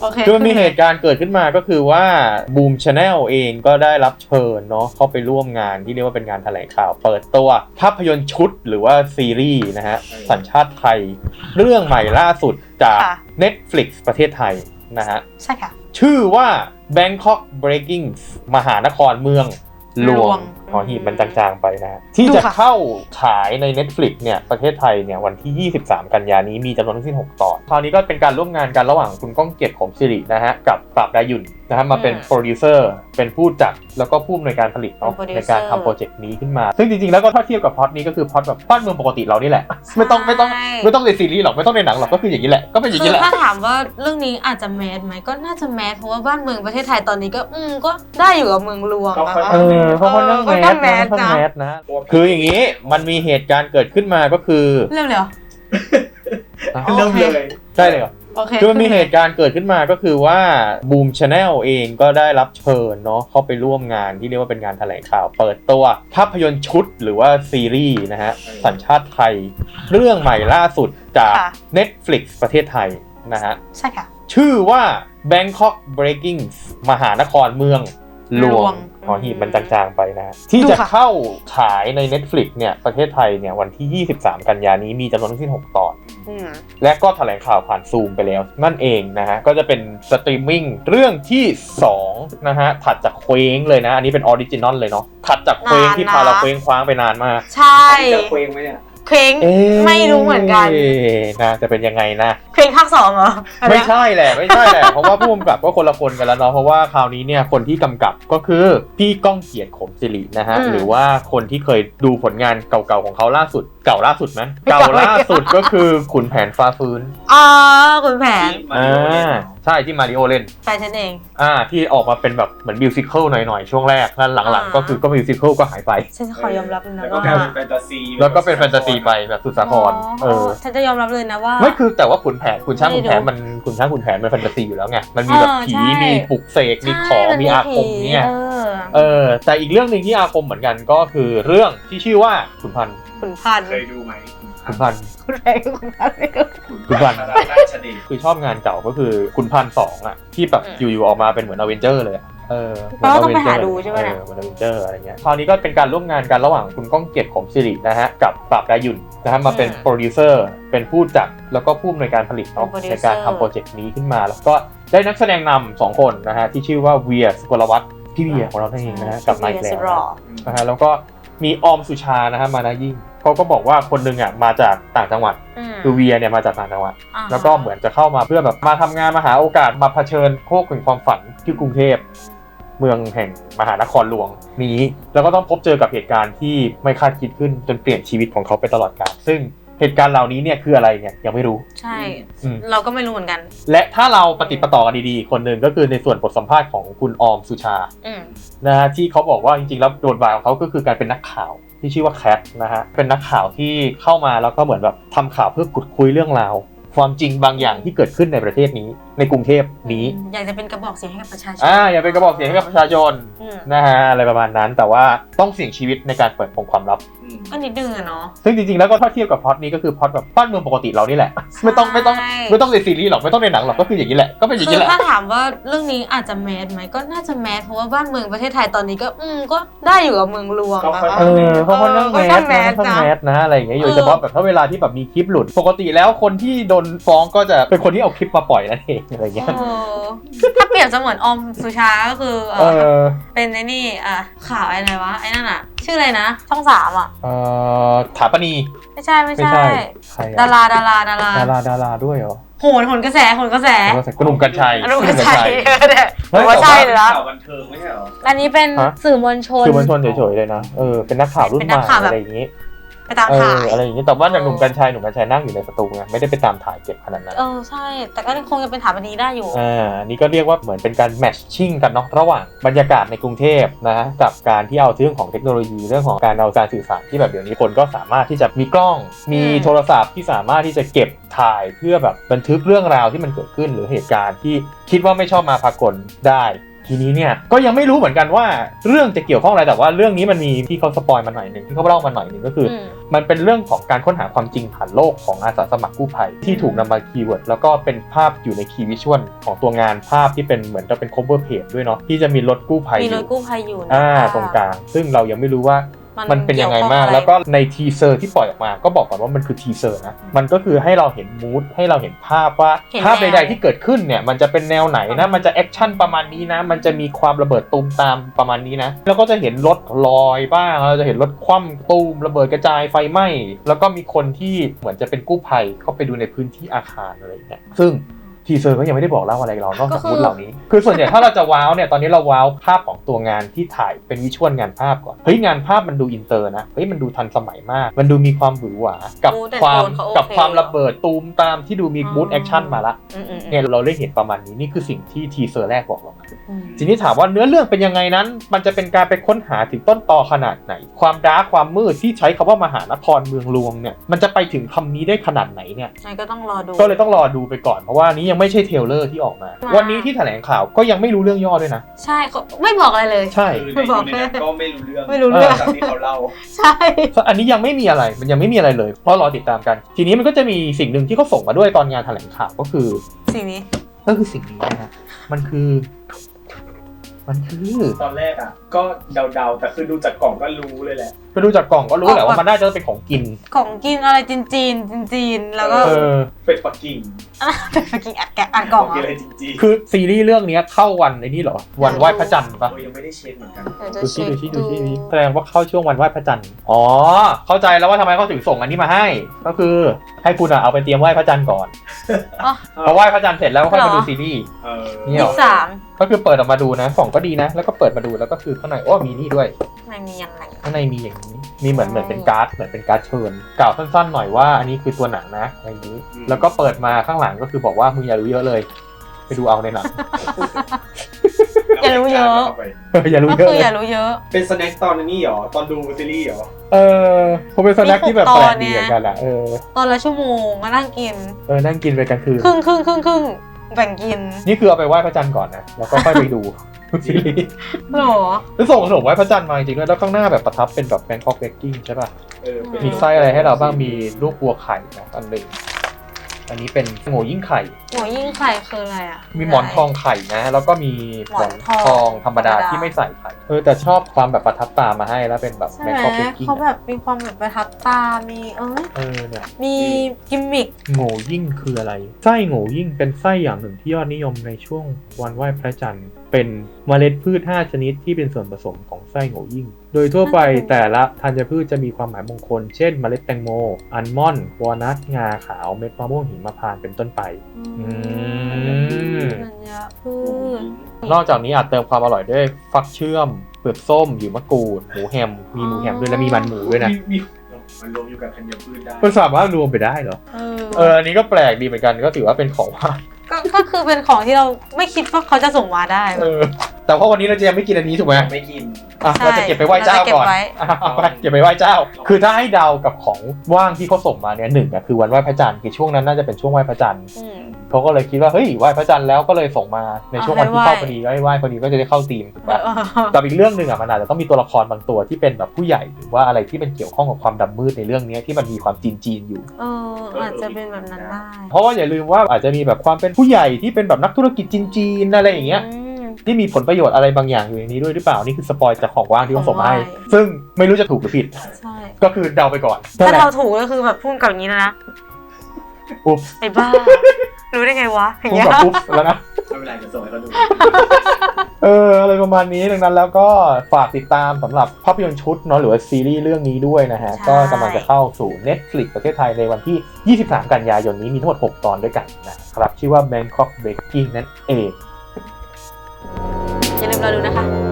คือมันมีเหตุการณ์เกิดขึ้นมาก็คือว่าบูมชาแนลเองก็ได้รับเชิญเนาะเข้าไปร่วมงานที่เรียกว่าเป็นงานแถลงข่าวเปิดตัวภาพยนตร์ชุดหรือว่าซีรีส์นะฮะสัญชาติไทยเรื่องใหม่ล่าสุดจาก Netflix ประเทศไทยนะฮะใช่ค่ะชื่อว่า Bangkok Breaking มหานครเมืองหลวงหอหีบมันจางๆไปนะที่จะเข้าฉายใน Netflix เนี่ยประเทศไทยเนี่ยวันที่23กันยายนนี้มีจำนวนทั้งสิ้น6ตอนคราวนี้ก็เป็นการร่วมงานกันระหว่างคุณก้องเกียรติขมศิรินะฮะกับปราบดายุนนะฮะมาเป็นโปรดิวเซอร์เป็นผู้จัดแล้วก็ผู้อำนวยการผลิตเนาะในการทำโปรเจกต์นี้ขึ้นมาซึ่งจริงๆแล้วก็ถ้าเทียบกับพล็อตนี้ก็คือพล็อตแบบบ้านเมืองปกติเรานี่แหละไม่ต้องในซีรีส์หรอกไม่ต้องในหนังหรอกก็คืออย่างนี้แหละก็เป็นอย่างนี้แหละถ้าถามว่าเรื่องนี้อาจจะแมสไหมก็น่าจะแมสเพราะว่าบ้านเมืองประเทศไทยตอนนี้ก็ได้อยู่กับเมืองหลวงนะคะเพราะคนนั่งแมสนะคืออย่างนี้มันมีเหตุการณ์เกิดขึ้นมาก็คือเริ่มเลยเหรอเริ่มเลยใช่เลยเหรอคือมันมีเหตุการณ์เกิดขึ้นมาก็คือว่าบูมชาแนลเองก็ได้รับเชิญเนาะเข้าไปร่วมงานที่เรียกว่าเป็นงานแถลงข่าวเปิดตัวภาพยนตร์ชุดหรือว่าซีรีส์นะฮะสัญชาติไทยเรื่องใหม่ล่าสุดจาก Netflix ประเทศไทยนะฮะใช่ค่ะชื่อว่า Bangkok Breaking มหานครเมืองหลวงหอหีบมันจางๆไปนะที่จะเข้าฉายใน Netflix เนี่ยประเทศไทยเนี่ยวันที่23กันยายนนี้มีจำนวนทั้งสิ้น6ตอนและก็แถลงข่าวผ่านซูมไปแล้วนั่นเองนะฮะก็จะเป็นสตรีมมิ่งเรื่องที่2นะฮะถัดจากเคว้งเลยนะอันนี้เป็นออริจินอลเลยเนาะถัดจากเคว้งที่พาเราเคว้งคว้างไปนานมากใช่จะเคว้งไหมเนี่ยเคว้งไม่รู้เหมือนกันนะจะเป็นยังไงนะเคว้งภาค2เหรอไม่ใช่แหละเพราะว่าผู้กำกับก็คนละคนกันแล้วเนาะเพราะว่าคราวนี้เนี่ยคนที่กำกับก็คือพี่ก้องเกียรติขมศิรินะฮะหรือว่าคนที่เคยดูผลงานเก่าๆของเขาล่าสุดเก่าล่าสุดก็คือขุนแผนฟ้าฟื้นขุนแผนใช่ที่มาริโอเล่นแฟนฉันเองที่ออกมาเป็นแบบเหมือนมิวสิควลหน่อยๆช่วงแรกแล้วหลังๆก็คือก็มิวสิควลก็หายไปฉันขอยอมรับเลยนะว่าแล้วก็เป็นแฟนตาซีไปแบบสุดสาครฉันจะยอมรับเลยนะว่าไม่คือแต่ว่าขุนช้างขุนแผนมันแฟนตาซีอยู่แล้วไงมันมีแบบผีมีปลุกเสกมีของมีอาคมเนี่ยแต่อีกเรื่องนึงที่อาคมเหมือนกันก็คือเรื่องที่ชื่อว่าขุนพันธุ์เคยดูไหมขุนพันธุ์คือชอบงานเก่าก็คือขุนพันธุ์2อ่ะที่แบบอยู่ๆออกมาเป็นเหมือนอเวนเจอร์เลยต้องไปหาดูใช่ไหมเหมือนอเวนเจอร์อะไรเงี้ยคราวนี้ก็เป็นการร่วมงานกันระหว่างคุณก้องเกียรติขมศิรินะฮะกับปราบดายุนนะฮะมาเป็นโปรดิวเซอร์เป็นผู้จัดแล้วก็ผู้อำนวยการผลิตเนาะในการทำโปรเจกต์นี้ขึ้นมาแล้วก็ได้นักแสดงนำ2คนนะฮะที่ชื่อว่าเวียสุกลวัฒน์พี่เวียของเราเองนะฮะกับไมค์แกลนะฮะแล้วก็มีออมสุชานะฮะมานายิ่งเขาก็บอกว่าคนนึงอ่ะมาจากต่างจังหวัดคือเวียเนี่ยมาจากต่างจังหวัดแล้วก็เหมือนจะเข้ามาเพื่อแบบมาทำงานมาหาโอกาสมาเผชิญโคกแห่งความฝันที่กรุงเทพเมืองแห่งมหานครหลวงนี้แล้วก็ต้องพบเจอกับเหตุการณ์ที่ไม่คาดคิดขึ้นจนเปลี่ยนชีวิตของเขาไปตลอดกาลซึ่งเหตุการณ์เหล่านี้เนี่ยคืออะไรเนี่ยยังไม่รู้ใช่เราก็ไม่รู้เหมือนกันและถ้าเราปฏิปต่อกันดีๆคนหนึ่งก็คือในส่วนบทสัมภาษณ์ของคุณออมสุชานะฮะที่เขาบอกว่าจริงๆแล้วบทบาทของเขาก็คือการเป็นนักข่าวที่ชื่อว่าแคทนะฮะเป็นนักข่าวที่เข้ามาแล้วก็เหมือนแบบทำข่าวเพื่อขุดคุยเรื่องราวความจริงบางอย่างที่เกิดขึ้นในประเทศนี้ในกรุงเทพนี้อยากจะเป็นกระบอกเสียงให้กับประชาชนอยากเป็นกระบอกเสียงให้กับประชาชนนะฮะอะไรประมาณนั้นแต่ว่าต้องเสี่ยงชีวิตในการเปิดเผยความลับก็นิดนึงอะเนาะซึ่งจริงๆแล้วก็ถ้าเทียบกับพล็อตนี้ก็คือพล็อตแบบบ้านเมืองปกติเรานี่แหละไม่ต้องในซีรีส์หรอกไม่ต้องในหนังหรอกก็คืออย่างนี้แหละก็เป็นอย่างนี้แหละถ้าถามว่าเรื่องนี้อาจจะแมสไหมก็น่าจะแมสเพราะว่าบ้านเมืองประเทศไทยตอนนี้ก็ได้อยู่กับเมืองหลวงเพราะคนนั่งแมสนะอะไรอย่างเงี้ยโดยเฉพาะแบบถ้าเวลาที่แบบมีคลิปหลุดปกติแล้วคนที่โดนฟ้องก็จะเป็นคนที่เอาคลิปมาปล่อยนั่นเองอะไรเงี้ยถ้าเปรียบเสมือนออมสุชาก็คือเป็นไอ้นี่ข่าวอะไรวะไอ้นั่นอะชื่ออะไรนะช่อง3อ่ะถาปนีไม่ใช่ดาราด้วยเหรอโหนกระแสหนุ่มกัญชัยว่าใช่เลยนะข่าวบันเทิงไม่ใช่เหรออันนี้เป็นสื่อมวลชนเฉยๆเลยนะเป็นนักข่าวรุ่นใหม่อะไรอย่างงี้ไปตามถ่ายอะไรอย่างนี้แต่ว่าหนุ่มกัญชัยนั่งอยู่ในสตูไงไม่ได้ไปตามถ่ายเก็บขนาดนั้นใช่แต่ก็คงจะเป็นถาปนีได้อยู่นี่ก็เรียกว่าเหมือนเป็นการแมทชิ่งกันเนาะระหว่างบรรยากาศในกรุงเทพนะกับการที่เอาเรื่องของเทคโนโลยีเรื่องของการเอาการสื่อสารที่แบบเดี๋ยวนี้คนก็สามารถที่จะมีกล้องมีโทรศัพท์ที่สามารถที่จะเก็บถ่ายเพื่อแบบบันทึกเรื่องราวที่มันเกิดขึ้นหรือเหตุการณ์ที่คิดว่าไม่ชอบมาพากลได้ทีนี้เนี่ยก็ยังไม่รู้เหมือนกันว่าเรื่องจะเกี่ยวข้องอะไรแต่ว่าเรื่องนี้มันมีที่เขาสปอยมาหน่อยนึงที่เขาเล่ามาหน่อยนึงก็คือมันเป็นเรื่องของการค้นหาความจริงผ่านโลกของอาสาสมัครกู้ภัยที่ถูกนำมาคีย์เวิร์ดแล้วก็เป็นภาพอยู่ในคีย์วิชวลของตัวงานภาพที่เป็นเหมือนจะเป็น cover page ด้วยเนาะที่จะมีรถกู้ภัยมีรถกู้ภัยอยู่ตรงกลางซึ่งเรายังไม่รู้ว่ามันเป็นยังไงมากแล้วก็ในทีเซอร์ที่ปล่อยออกมาก็บอกก่อนว่ามันคือทีเซอร์นะมันก็คือให้เราเห็นมูดให้เราเห็นภาพว่าภาพใดๆที่เกิดขึ้นเนี่ยมันจะเป็นแนวไหนนะมันจะแอคชั่นประมาณนี้นะมันจะมีความระเบิดตูมตามประมาณนี้นะแล้วก็จะเห็นรถลอยบ้างเราจะเห็นรถคว่ำตูมระเบิดกระจายไฟไหม้แล้วก็มีคนที่เหมือนจะเป็นกู้ภัยเข้าไปดูในพื้นที่อาคารอะไรอย่างเงี้ยซึ่งทีเซอร์ก็ยังไม่ได้บอกเล่าอะไรเรานอกจากมูดเหล่านี้คือส่วนใหญ่ถ้าเราจะว้าวเนี่ยตอนนี้เราว้าวภาพของตัวงานที่ถ่ายเป็นวิชวลงานภาพก่อนเฮ้ยงานภาพมันดูอินเตอร์นะเฮ้ยมันดูทันสมัยมากมันดูมีความหวือหวากับความระเบิดตูมตามที่ดูมีมูดแอคชั่นมาละเนี่ยเราได้เห็นประมาณนี้นี่คือสิ่งที่ทีเซอร์แรกบอกเราทีนี้ถามว่าเนื้อเรื่องเป็นยังไงนั้นมันจะเป็นการไปค้นหาถึงต้นตอขนาดไหนความดาร์กความมืดที่ใช้คำว่ามหานครเมืองหลวงเนี่ยมันจะไปถึงคำนี้ได้ขนาดไหนเนี่ยก็ต้องรอดูก็เลยต้องรอดูไปก่อนเพราะว่านี้ยังไม่ใช่เทรลเลอร์ที่ออกมาวันนี้ที่แถลงข่าวก็ยังไม่รู้เรื่องย่อด้วยนะใช่ไม่บอกอะไรเลยใช่ไม่บอกก็ไม่รู้เรื่องจากที่เขาเล่าใช่อันนี้ยังไม่มีอะไรมันยังไม่มีอะไรเลยเพราะรอติดตามกันทีนี้มันก็จะมีสิ่งหนึ่งที่เขาส่งมาด้วยตอนงานแถลงข่าวก็คือสิ่งนี้นะฮะมันคือตอนแรกอ่ะก็เดาแต่คือดูจากกล่องก็รู้เลยแหละไปดูจากกล่องก็รู้แหละว่ามันน่าจะเป็นของกินอะไรจีนแล้วก็เป็ดปักกิ่งอ่านกล่องอะไรจริงคือซีรีส์เรื่องนี้เข้าวันไอ้นี่เหรอวันไหว้พระจันทร์ปะยังไม่ได้เช็คเหมือนกันดูชี้แสดงว่าเข้าช่วงวันไหว้พระจันทร์อ๋อเข้าใจแล้วว่าทำไมเขาถึงส่งอันนี้มาให้ก็คือให้คุณเอาไปเตรียมไหว้พระจันทร์ก่อนพอไหว้พระจันทร์เสร็จแล้วค่อยมาดูซีรีส์นี่หรอก็คือเปิดออกมาดูนะกล่องก็ดีนะแล้วก็เปิดมาดูแล้วก็คือข้างในมีนี่ด้วยมีอย่างไรข้างในมีอย่างนี้มีเหมือนเป็นการ์ดเชิญกล่าวสั้นๆหน่อยว่าอันนี้คือตัวหนังนะอะไรอย่างนี้แล้วก็เปิดมาข้างหลังก็คือบอกว่ามึงอย่ารู้เยอะเลยไปดูเอาในหนังอย่ารู้เยอะอย่ารู้เยอะเป็นสแน็คตอนนี้หรอตอนดูซีรีส์หรอผมเป็นสแน็คที่แบบแปลกดีเหมือนกันอะตอนละชั่วโมงมานั่งกินนั่งกินไปกลางคืนครึ่งแบ่งกินนี่คือเอาไปไหว้พระจันทร์ก่อนนะแล้วก็ค่อยไปดูซีรีส์หรอแล้วส่งขนมไหว้พระจันทร์มาจริงๆแล้วข้างหน้าแบบประทับเป็นแบบแบงค็อกเบกกิ้งใช่ป่ะมีไส้อะไรให้เราบ้างมีลูกบัวไข่นะอันหนึ่งอันนี้เป็นโง่ยิ่งไข่คืออะไรอ่ะมีหมอนทองไข่นะแล้วก็มีหมอนทองธรรมดาที่ไม่ใส่ไข่แต่ชอบความแบบประทับตามาให้แล้วเป็นแบบแบงค็อกเบกกิ้งเขาแบบมีความแบบประทับตามีเนี่ยมีกิมมิคโง่ยิ่งคืออะไรไส้โง่ยิ่งเป็นไส้อย่างหนึ่งที่ยอดนิยมในช่วงวันไหว้พระจันทร์เป็นเมล็ดพืช5ชนิดที่เป็นส่วนผสมของไส้โง่ยิ่งโดยทั่วไปแต่ละธัญพืชจะมีความหมายมงคลเช่นเมล็ดแตงโมอัลมอนด์วอลนัทงาขาวเม็ดมะม่วงหิมพานต์เป็นต้นไปธัญพืชนอกจากนี้อาจเติมความอร่อยด้วยฟักเชื่อมเปลือกส้มหยวมะกรูดหมูแฮมมีหมูแฮมด้วยและมีมันหมูด้วยนะมันรวมอยู่กับธัญพืชได้มันสามารถรวมไปได้เหรออันนี้ก็แปลกดีเหมือนกันก็ถือว่าเป็นของว่างก็คือเป็นของที่เราไม่คิดว่าเขาจะส่งมาได้แต่เพราะวันนี้เราจะยังไม่กินอันนี้ถูกไหมไม่กินเราจะเก็บไปไหว้เจ้าก่อนเก็บไปไหว้เจ้าคือถ้าให้เดากับของว่างที่เขาส่งมาเนี่ยหนึ่งคือวันไหว้พระจันทร์คือช่วงนั้นน่าจะเป็นช่วงไหว้พระจันทร์เขาก็เลยคิดว่าเฮ้ยไหว้พระจันทร์แล้วก็เลยส่งมาในช่วงวันที่เข้าพอดีไหว้พอดีก็จะได้เข้าธีมถูกป่ะแต่อีกเรื่องนึงมันอาจจะต้องมีตัวละครบางตัวที่เป็นแบบผู้ใหญ่หรือว่าอะไรที่เป็นเกี่ยวข้องกับความดำมืดในเรื่องนี้ที่มันมีความจีนอยู่อาจจะเป็นแบบนั้นได้เพราะว่าอย่าลืมว่าอาจจะมีแบบความเป็นผู้ใหญ่ที่เป็นแบบนักธุรกิจจีนอะไรอย่างเงี้ยที่มีผลประโยชน์อะไรบางอย่างอยู่ในนี้ด้วยหรือเปล่านี่คือสปอยจากของว่างที่เขาส่งมาให้ซึ่งไม่รู้จะถูกหรือผิดใช่ก็คือเดาไปก่อนถ้าเดาถูกก็คือแบบพูดกับอย่างนี้นะอุ๊บไอ้บ้ารู้ได้ไงวะพูดกับอุ๊บแล้วนะไม่เป็นไรจะส่งให้เขาดูอะไรประมาณนี้ดังนั้นแล้วก็ฝากติดตามสำหรับภาพยนตร์ชุดเนาะหรือว่าซีรีส์เรื่องนี้ด้วยนะฮะก็กำลังจะเข้าสู่ Netflix ประเทศไทยในวันที่23กันยายนนี้มีทั้งหมด6ตอนด้วยกันนะครับชื่อว่า Bangkok Breaking นั่นเองอย่าลืมรอดูนะคะ